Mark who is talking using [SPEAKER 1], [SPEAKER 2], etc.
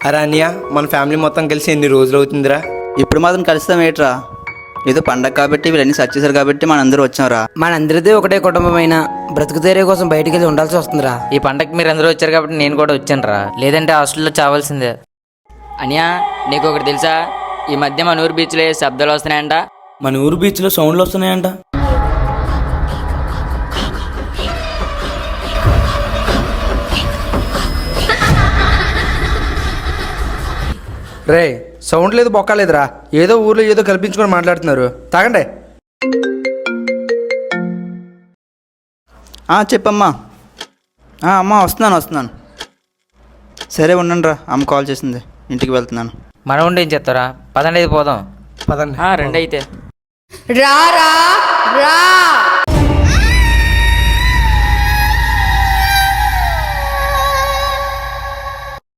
[SPEAKER 1] అరే అన్నయ్య, మన ఫ్యామిలీ మొత్తం కలిసి ఎన్ని రోజులు అవుతుందిరా?
[SPEAKER 2] ఇప్పుడు మాత్రం కలుస్తాం ఏట్రా? ఏదో పండగ కాబట్టి వీళ్ళన్నీ సెర్చ్ చేశారు కాబట్టి మనందరూ వచ్చాంరా.
[SPEAKER 3] మనందరిదే ఒకటే కుటుంబమైన బ్రతుకు తెరే కోసం బయటికి వెళ్ళి ఉండాల్సి వస్తుందిరా.
[SPEAKER 4] ఈ పండగకి మీరు అందరూ వచ్చారు కాబట్టి నేను కూడా వచ్చాను రా, లేదంటే హాస్టల్లో చావాల్సిందే. అనియా, నీకు ఒకటి తెలుసా? ఈ మధ్య మన ఊరు బీచ్లో శబ్దాలు వస్తున్నాయంట.
[SPEAKER 1] మన ఊరు బీచ్లో సౌండ్లు వస్తున్నాయంట.
[SPEAKER 5] రే, సౌండ్ లేదు బొక్క లేదురా. ఏదో ఊర్లో ఏదో కల్పించుకొని మాట్లాడుతున్నారు. తాగండి.
[SPEAKER 2] చెప్పమ్మా. అమ్మా వస్తున్నాను. సరే ఉండండి రా, అమ్మ కాల్ చేసింది, ఇంటికి వెళ్తున్నాను.
[SPEAKER 4] మనం ఉండి ఏం చెప్తారా? పదండి, అయితే పోదాం.
[SPEAKER 5] పదండి.
[SPEAKER 4] రెండు అయితే
[SPEAKER 6] రా రా రా